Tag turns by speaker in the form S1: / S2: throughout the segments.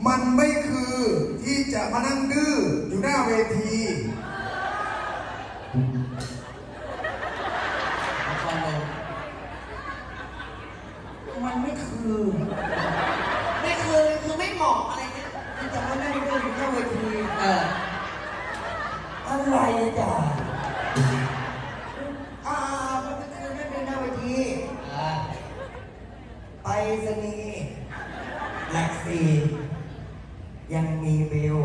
S1: มันไม่คือที่จะมานั่งดื้ออยู่หน้าเวที
S2: มันไม่คือไม่เหมาะอะไรเนี่ยที่จะมานั่งดูอยู่หน้าเวทีอะไรจ้ะมันไม่คือไม่เป็นหน้าเวทีไปสนีย์หลักสี่ยังมีเบล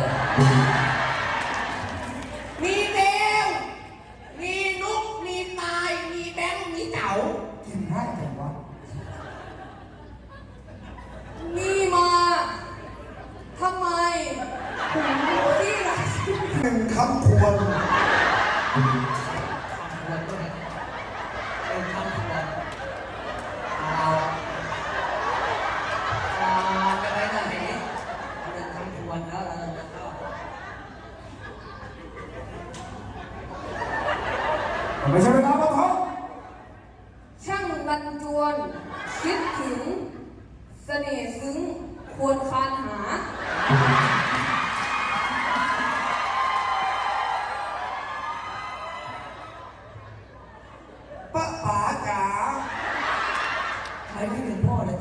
S2: มีเบลมีนุ๊กมีตายมีแบงค์มีเต๋ากินได้แต่ว่า
S3: นี่มาทำไมที่ไร
S1: หนึ่งคำทวนไม่ใช่เวลาของเขา
S3: ช่างรันจวนคิดถึงเสน่ห์ซึ้งควรคานหา
S1: ป้าป๋าจ๋า
S2: ใครไม่ถึงพ่อเลย